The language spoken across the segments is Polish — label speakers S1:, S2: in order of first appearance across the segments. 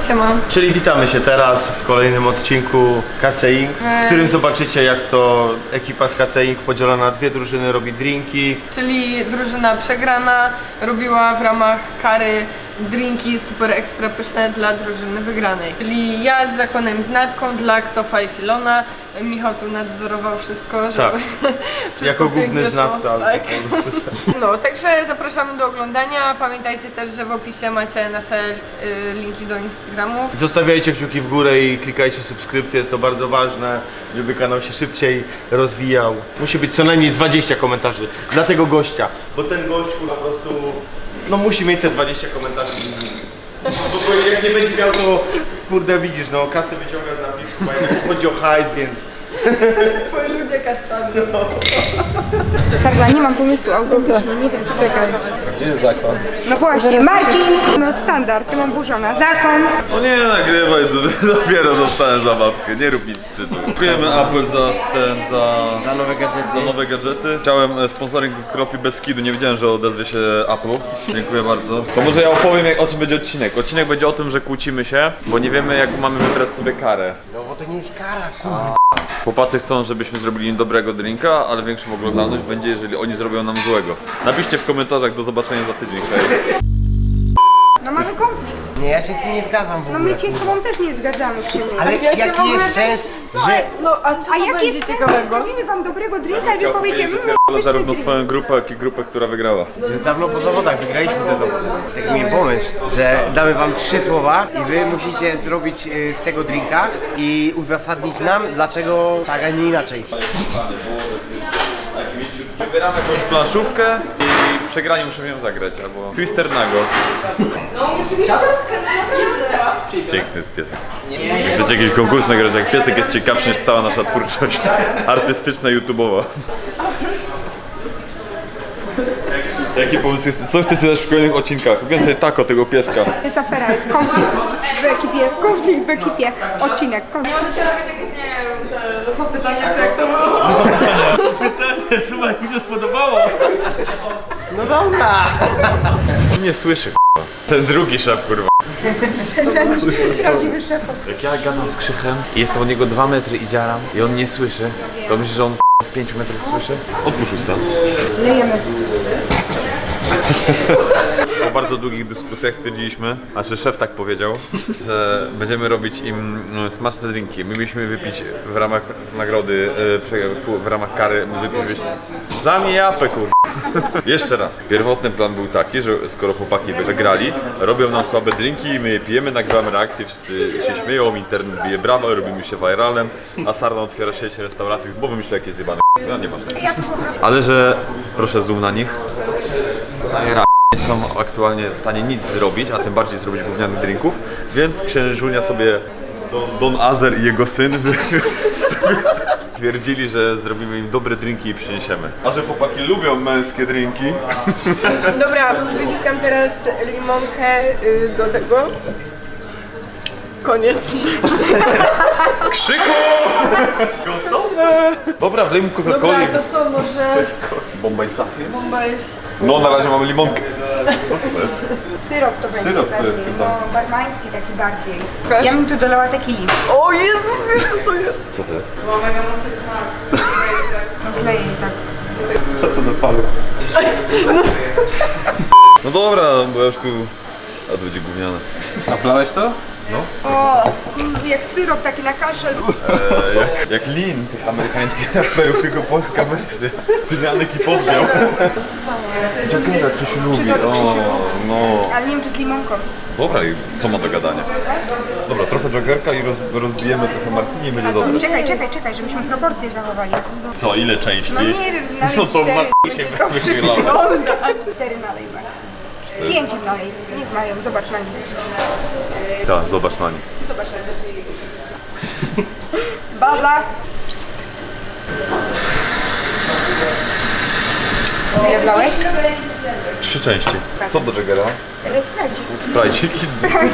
S1: Siema.
S2: Czyli witamy się teraz w kolejnym odcinku KC Inc., w którym zobaczycie, jak to ekipa z KC Inc. podzielona na dwie drużyny robi drinki.
S1: Czyli drużyna przegrana robiła w ramach kary drinki super ekstra pyszne dla drużyny wygranej. Czyli ja z Zakonem, z Natką dla Ktofa i Filona. Michał tu nadzorował wszystko, żeby
S2: Tak.
S1: wszystko
S2: Jako
S1: pięknie
S2: główny
S1: szło.
S2: znawca.
S1: Tak. No, także zapraszamy do oglądania. Pamiętajcie też, że w opisie macie nasze linki do Instagramów.
S2: Zostawiajcie kciuki w górę i klikajcie subskrypcję, jest to bardzo ważne, żeby kanał się szybciej rozwijał. Musi być co najmniej 20 komentarzy dla tego gościa, bo ten gość po prostu no musi mieć te 20 komentarzy. Bo jak nie będzie miał, to kurde widzisz, no kasę wyciąga z napiwku, bo jednak chodzi o hajs, więc...
S1: Twoi ludzie kasztany.
S3: Sarla, nie mam pomysłu autentycznie, nie wiem czy czekaj.
S4: Gdzie jest zakon?
S3: No właśnie, Marcin, no standard, Tymon Burzona, zakon.
S4: No nie nagrywaj, dopiero dostałem zabawkę, nie rób mi wstydu. Dziękujemy Apple za nowe gadżety. Chciałem sponsoring Kropi bez skidu, nie wiedziałem, że odezwie się Apple. Dziękuję bardzo. To może ja opowiem, o czym będzie odcinek. Odcinek będzie o tym, że kłócimy się, bo nie wiemy, jak mamy wybrać sobie karę.
S2: No bo to nie jest kara, kurwa.
S4: Chłopacy chcą, żebyśmy zrobili im dobrego drinka, ale większą oglądalność będzie, jeżeli oni zrobią nam złego. Napiszcie w komentarzach, do zobaczenia za tydzień. Hej.
S3: No mamy konflikt.
S5: Nie, ja się z tym nie zgadzam w
S3: No
S5: ogóle.
S3: my się z tobą też nie zgadzamy, Krzyniu.
S5: Ale
S1: Ja się w
S5: jaki
S1: ogóle
S5: jest sens, że...
S1: No, a co
S3: A
S1: to
S3: jaki
S1: będzie
S3: jest sens, jak
S1: ciekawego?
S3: zrobimy wam dobrego drinka i wy powiecie,
S4: Ale zarówno swoją grupę, jak i grupę, która wygrała.
S5: że dawno po zawodach wygraliśmy te dowody. Taki miałem pomysł, że damy wam 3 słowa i wy musicie zrobić z tego drinka i uzasadnić nam, dlaczego tak, a nie inaczej.
S4: Wybieramy jakąś planszówkę i przegrani muszę ją zagrać, albo Twister Nago. Piękny jest piesek. Chcecie jakiś konkurs nagrać, jak piesek jest ciekawszy niż cała nasza twórczość artystyczna, YouTube'owa. Jaki pomysł jest? Co chcecie dać w kolejnych odcinkach? Więcej tako tego pieska.
S3: Jest afera, jest konflikt w ekipie, odcinek, konflikt.
S1: Możecie robić jakieś, nie wiem, te pytania, czy jak to było?
S2: Słuchaj, mi się spodobało.
S5: No dobra!
S4: Nie słyszy, k***a. Ten drugi szef, kurwa.
S3: Prawdziwy szef.
S4: Jak ja gadam z Krzychem i jestem od niego 2 metry i dziaram i on nie słyszy, to myślisz, że on z 5 metrów słyszy? Otwórz usta.
S3: Lejemy.
S4: Po bardzo długich dyskusjach stwierdziliśmy, znaczy szef tak powiedział, że będziemy robić im smaczne drinki. My mieliśmy wypić w ramach nagrody, w ramach kary, wypić... Zamknij japę, kur... Jeszcze raz. Pierwotny plan był taki, że skoro chłopaki wygrali, robią nam słabe drinki i my je pijemy, nagrywamy reakcje, wszyscy się śmieją, internet bije brawo, robimy się viralem, a Sarna otwiera sieć restauracji, bo wymyśla jakie zjebane. No nie ważne. Ale że, proszę zoom na nich, nie są aktualnie w stanie nic zrobić, a tym bardziej zrobić gównianych drinków, więc księżunia sobie Don Azer i jego syn twierdzili, że zrobimy im dobre drinki i przyniesiemy. A że chłopaki lubią męskie drinki.
S1: Dobra, wyciskam teraz limonkę do tego. Koniec.
S4: Krzyku! Gotowe! Dobra, wlejmy
S1: Dobra,
S4: Coca-Coli.
S1: to co, może
S4: Bombaj Safir?
S1: bomba już...
S4: No, na razie mamy limonkę.
S3: Syrop to będzie
S4: Syrop to jest
S3: bardziej,
S4: chyba.
S3: no barmański taki bardziej.
S1: Pokaż.
S3: Ja bym tu dolała tequili.
S1: O Jezus, wiesz co to jest?
S4: Co to jest?
S1: Ma mega mocny smak.
S3: Już leję jej tak.
S4: Co to za palu? No dobra, bo ja już tu... A to będzie gówniane. Naplałeś to?
S3: O, jak syrop taki na kaszel.
S4: Jak Lin tych amerykańskich raperów, tylko polska wersja. Tymianek i poddział. Jagera Krzysiu lubi.
S3: Czy to Krzysiu lubi?
S4: No.
S3: Ale nie wiem czy z limonką.
S4: Dobra, i co ma do gadania? Dobra, trochę Jagerka i rozbijemy trochę martini i będzie dobre.
S3: Czekaj, żebyśmy proporcje zachowali.
S4: Co, ile części?
S3: No nie wiem, nalej
S4: No to
S3: 4.
S4: martini się wychylało.
S3: 4 nalej. 5 im nalej. Niech mają, zobacz na nich.
S4: Tak, zobacz na nich.
S3: Zobacz na nich. Baza. Ile wlałeś?
S4: 3 części. Co do Jagera?
S3: Sprawdź.
S4: Sprajcik i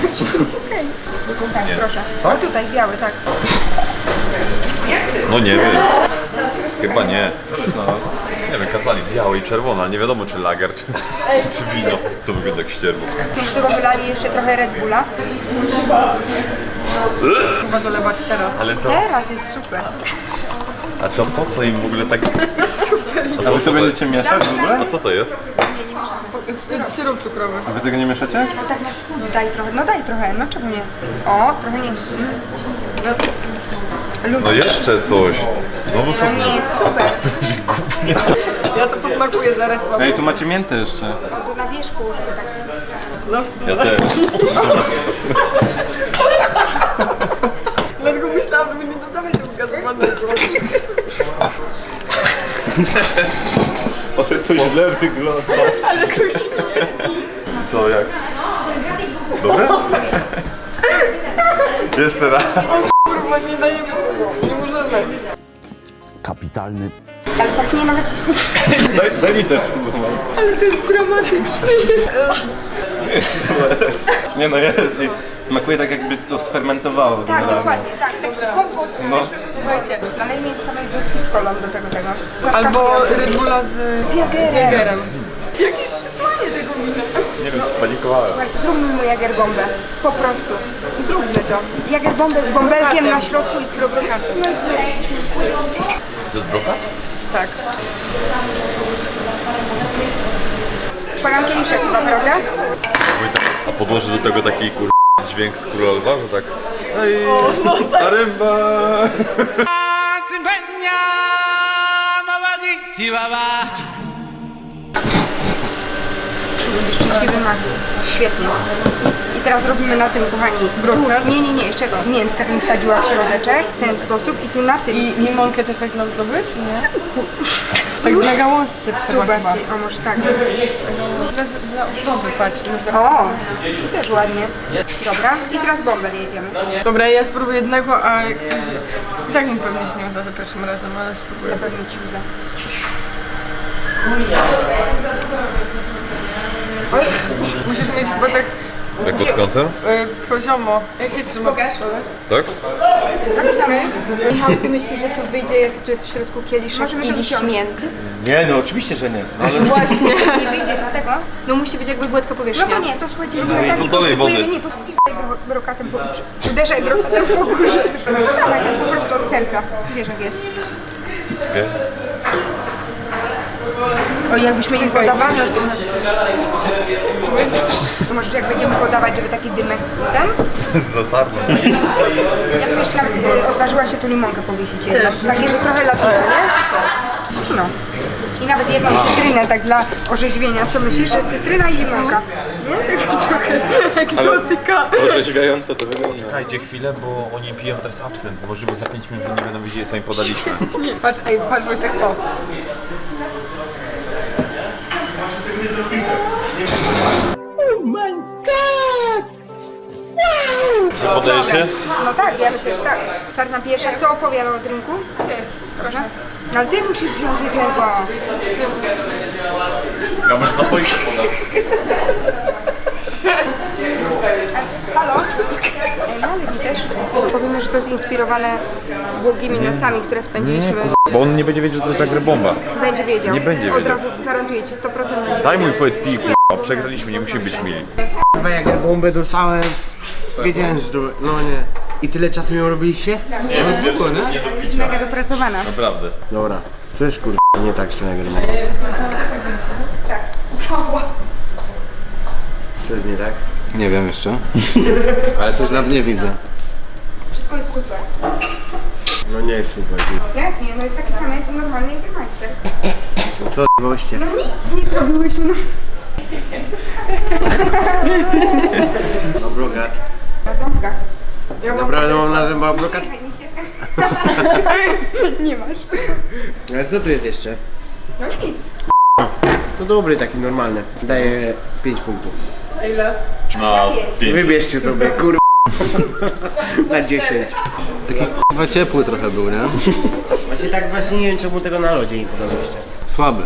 S3: Tak, proszę. O tutaj, biały, tak.
S4: No nie wiem. Chyba nie. Nie wiem, kazali białe i czerwone, ale nie wiadomo czy lager, czy wino. To wygląda jak ścierwo.
S3: Do tego wylali jeszcze trochę Red Bulla.
S1: Chyba dolewać teraz.
S4: Ale to,
S3: Teraz jest super.
S4: a to po co im w ogóle tak...
S6: A wy co będziecie mieszać w ogóle?
S4: A co to jest?
S1: Syrop cukrowy.
S6: A wy tego nie mieszacie?
S3: No tak na spód daj trochę, no daj trochę, no czemu nie? O, trochę nie.
S4: No jeszcze coś. No bo co?
S3: To nie jest super.
S1: Ja to posmakuję zaraz. Mam.
S6: Ej, tu macie miętę jeszcze.
S3: O, to na wierzchu, żeby tak...
S1: No wstyd.
S4: Ja też.
S1: Dlatego myślałam, żeby nie dodawać tego gazowanego.
S6: O, to źle wygląda.
S4: Co, jak? Dobre? Jeszcze raz.
S1: Kurwa, nie dajemy tego. Nie możemy.
S7: Kapitalny
S3: Ale pachnie nawet...
S6: Daj mi też spróbować.
S1: Ale to jest gramatyczne.
S6: Nie no jest. I smakuje tak jakby to sfermentowało.
S3: Tak,
S6: generalnie.
S3: dokładnie, tak. Taki kompot.
S6: No.
S3: Słuchajcie, nalejmy samej wódki z kolą do tego.
S1: Albo Red Bulla z Jagerem. Jakie przysłanie tego wina.
S4: Nie wiem, spanikowałem.
S3: Słuchajcie, zróbmy mu jagerbombę. Po prostu. Zróbmy to. Jagerbombę z bąbelkiem na środku i z brokatą.
S4: To jest brokat?
S1: Tak.
S3: Palam kieliszek chyba, prawda?
S4: A podłoży do tego taki dźwięk z Króla Lwa, że tak... Ej, ta ryba!
S3: Szczęśliwy Max. Świetnie. I teraz robimy na tym, kochani, brokat. Nie, jeszcze miętkę bym wsadziła w środeczek w ten sposób i tu na tym.
S1: I limonkę też tak nam zdobyć, czy nie? Tak na gałązce trzeba
S3: Tu
S1: chyba.
S3: bardziej, o może tak.
S1: Dla ozdoby, patrz. Można...
S3: O, też ładnie. Dobra, i teraz bąbel jedziemy.
S1: Dobra, ja spróbuję jednego, a jak ktoś... I tak mi pewnie się nie uda za pierwszym razem, ale spróbuję.
S3: Pewnie ci uda. Oj,
S1: Musisz mieć chyba tak
S4: Jak pod kątem?
S1: poziomo. Jak się trzyma?
S3: Pokaż.
S4: Tak?
S3: zaczynamy.
S8: Michał, ty myślisz, że to wyjdzie, jak tu jest w środku kieliszek
S3: Możemy
S8: i
S3: to
S8: liść
S3: wyciągnąć.
S8: mięty?
S2: Nie, no oczywiście, że nie. No, ale
S8: Właśnie.
S3: Nie wyjdzie dlatego.
S8: No musi być jakby gładka
S3: No
S8: powierzchnia.
S3: to nie, to słuchajcie, robimy tak i
S4: dolej wody.
S3: posypujemy, nie, posypaj brokatem po uderzaj brokatem po górze. No dawaj, tak po prostu od serca. Wiesz jak jest.
S4: Okay.
S3: O, jakbyśmy im podawali... To może jak będziemy podawać, żeby taki dymek ten?
S4: Zasarno.
S3: Ja bym jeszcze nawet odważyła się tu limonkę powiesić jedną. Takie, że trochę latino, nie? No. I nawet jedną cytrynę, tak dla orzeźwienia. Co myślisz, że cytryna i limonka? Nie? Tak trochę egzotyka.
S6: Orzeźwiająco to wygląda.
S4: Czekajcie chwilę, bo oni piją teraz absynt. Możliwe za 5 minut nie będą wiedzieli, co im podaliśmy.
S1: Patrz, patrz Wojtek to.
S4: Podajecie?
S3: No tak, ja myślę, że tak. Sarna pierwsza. Kto opowiada o drinku?
S1: Ty, proszę.
S3: No ale ty musisz wziąć jednego.
S4: Ja może zapoić podać.
S3: Halo? No, ale mi też. Powiemy, że to jest inspirowane błogimi nocami, które spędziliśmy.
S4: Bo on nie będzie wiedział, że to jest agrybomba.
S3: Będzie wiedział.
S4: Nie będzie
S3: Od
S4: wiedział.
S3: razu gwarantuję ci 100% będzie
S4: Daj
S3: wiedział.
S4: mój poet pij, k***a. Przegraliśmy, nie musimy być mili.
S5: Chyba jak ja bombę dostałem, wiedziałem, że to... No nie. I tyle czasu ją robiliście?
S3: Jest mega dopracowana.
S4: Naprawdę.
S5: Dobra. Coś kurde nie tak z tym nagrywam. Co jest nie tak?
S6: Nie wiem jeszcze. Ale coś na dnie widzę.
S3: Wszystko jest super.
S5: No nie jest super.
S3: Jak nie? No jest takie same jak normalny Jägermeister.
S5: Co goście?
S3: No nic nie robiłyśmy. No.
S5: No brokat.
S3: Na ząbkach.
S5: Naprawdę mam na zębach brokat?
S3: Nie masz.
S5: Ale co tu jest jeszcze?
S3: No nic.
S5: No dobry, taki normalny. Daję 5 punktów.
S4: No, 5.
S5: Wybierzcie sobie, kurwa. Na 10.
S6: Chyba ciepły trochę był, nie?
S5: Właśnie tak właśnie nie wiem czemu tego na lodzie nie podaliście.
S6: Słaby.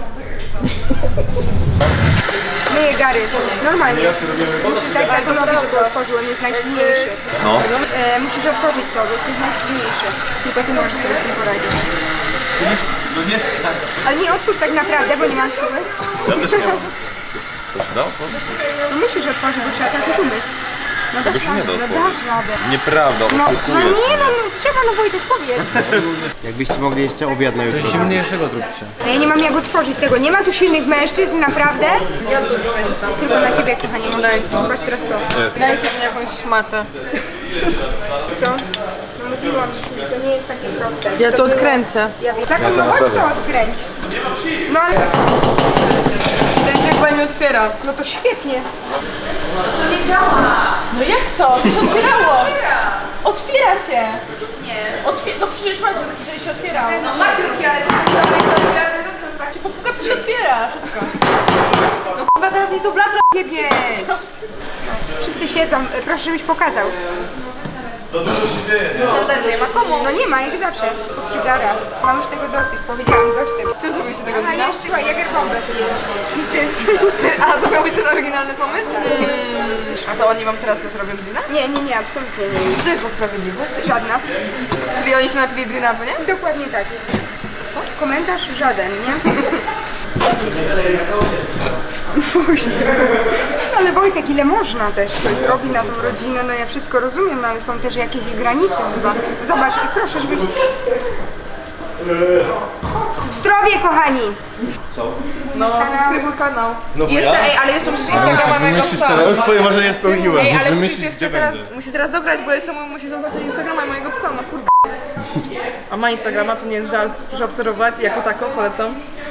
S3: Myję gary. Normalnie. Musisz dać Zakonowi, żeby otworzył, on jest najsilniejszy.
S4: No.
S3: Musisz otworzyć to, bo to jest najsilniejszy. Tylko ty możesz sobie z tym poradzić.
S2: No mieszkam.
S3: Ale nie otwórz tak naprawdę, bo nie mam siły.
S4: Ja też nie mam. Coś dał?
S3: No musisz otworzyć, bo trzeba tak umyć. No dasz
S4: się nie da
S3: radę, no
S4: otworzyć.
S3: dasz radę.
S4: Nieprawda,
S3: No
S4: oszukujesz.
S3: nie, no trzeba, no Wojtek, powiedz.
S5: Jakbyście mogli jeszcze obiad na jutro.
S9: Coś zimniejszego zróbcie.
S3: No ja nie mam jak otworzyć tego, nie ma tu silnych mężczyzn, naprawdę.
S1: Ja to kręcam.
S3: Tylko na ciebie, kochanie,
S1: Daj
S3: mogę.
S1: to.
S3: Zobacz teraz to.
S1: Dajcie mi jakąś szmatę.
S3: Co? No mówiłam, że to nie jest takie proste.
S1: Ja to odkręcę.
S3: Ja wiem. Zakon, no chodź to odkręć. No ale...
S1: Kręć jak pani otwiera.
S3: No to świetnie.
S10: No jak to? To się otwierało! Otwiera się! Nie. No przecież Maciur, przecież się otwiera. No Maciurki, ale to się popuka, to się otwiera. Wszystko. No kurwa, zaraz mi tu bladra jebie!
S3: Wszyscy siedzą, proszę żebyś pokazał.
S10: Co też nie ma komu?
S3: No nie ma, jak zawsze. To przygara. Mam już tego dosyć, powiedziałam dość tego.
S1: Czym zrobiliście tego
S3: Aha,
S1: dnia?
S3: jeszcze Jagerbombę tu jest. Nic więcej.
S1: A to miał być ten oryginalny pomysł? A to oni wam teraz też robią drina?
S3: Nie, absolutnie nie.
S1: Co to jest za sprawiedliwość?
S3: Żadna.
S1: Czyli oni się napili drina, bo nie?
S3: Dokładnie tak. Co? Komentarz żaden, nie? Wojtek. No ale Wojtek, ile można też coś robi na tą rodzinę, no ja wszystko rozumiem, no ale są też jakieś granice chyba. Zobacz, proszę, żebyś... Zdrowie, kochani!
S1: No, subskrybuj kanał.
S2: Znowu
S1: I jeszcze,
S2: ja?
S1: ej, ale jeszcze musisz Instagrama mojego psa.
S2: Ja już swoje marzenie spełniłem.
S1: Ej, ale musisz teraz dograć, bo jeszcze musisz oznaczyć Instagrama mojego psa, no kurwa. A ma Instagrama, to nie jest żart, proszę obserwować, jako tako polecam.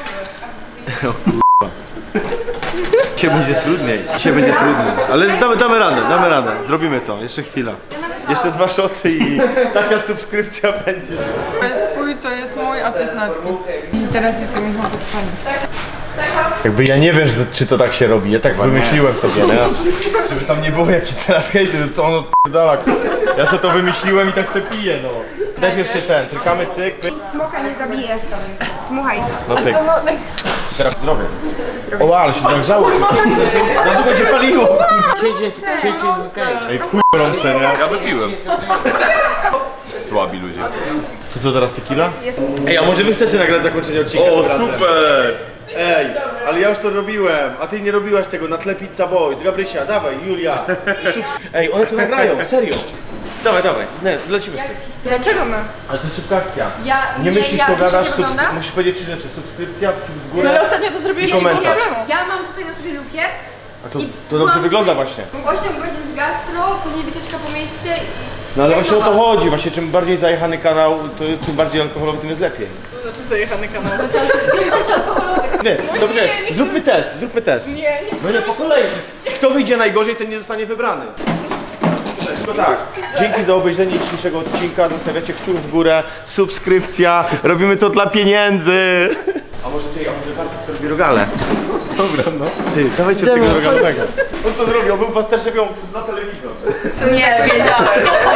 S2: Dzisiaj będzie trudniej. Ale damy radę. Zrobimy to. Jeszcze chwila. Jeszcze 2 szoty i taka subskrypcja będzie.
S1: To jest twój, to jest mój, a to jest Natki. I teraz jeszcze mi mam podpalić.
S2: Jakby ja nie wiem, czy to tak się robi. Ja tak wymyśliłem sobie, nie? Żeby tam nie było jakichś teraz hejty, że co on odpierdala. Ja sobie to wymyśliłem i tak sobie piję, no. Najpierw się trykamy cyk, pyk.
S3: Smoka nie zabije. Dmuchaj.
S2: No cyk. Teraz zdrowie. O, ale się nagrzało. Za długo się paliło. Ej, w chuj gorące, nie?
S4: Ja wypiłem. Słabi ludzie.
S2: To co teraz, tequila? Ej, a może wy chcecie nagrać zakończenie odcinka?
S4: O,
S2: tym razem?
S4: super!
S2: Ej, ale ja już to robiłem, a ty nie robiłaś tego na tle Pizza Boys. Gabrysia, dawaj, Julia. Ej, one to nagrają, serio. Dawaj, nie, lecimy z tym.
S1: Dlaczego my?
S2: Ale to jest szybka akcja.
S1: Ja,
S2: Nie myślisz,
S1: ja,
S2: to
S1: wiecie,
S2: gadasz,
S1: jak wygląda?
S2: musisz powiedzieć 3 rzeczy. Subskrypcja, kciuk w
S1: No ale
S2: górę
S1: ostatnio to zrobiłeś
S2: i komentarz.
S8: Ja mam tutaj na sobie lukier,
S2: A to dobrze wygląda właśnie.
S8: 8 godzin w gastro, później wycieczka po mieście i...
S2: No ale właśnie o to chodzi, właśnie czym bardziej zajechany kanał, to tym bardziej alkoholowy, tym jest lepiej.
S1: To znaczy zajechany kanał.
S2: Nie, dobrze, zróbmy test.
S1: Nie.
S2: No nie, po kolei. Kto wyjdzie najgorzej, ten nie zostanie wybrany. No tak, dzięki za obejrzenie dzisiejszego odcinka, zostawiacie kciuk w górę, subskrypcja, robimy to dla pieniędzy. A może Bartek to robi rogale? Dobra, no. Ty, dawajcie tego rogalnego. On to zrobił, on był pasterzewią na telewizor.
S10: Nie, wiedziałem.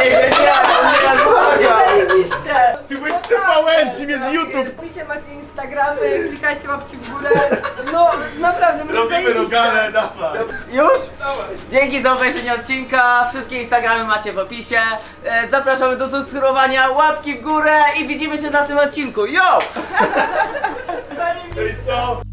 S2: Ty byłeś w TVN, czym jest YouTube?
S1: Piszcie, macie Instagramy, klikajcie łapki w górę. No, naprawdę, my
S2: Robimy rogale, dawaj.
S10: Już? Dzięki za obejrzenie odcinka. Wszystkie Instagramy macie w opisie. Zapraszamy do subskrybowania, łapki w górę i widzimy się w następnym odcinku. Yo!
S2: Ej, co?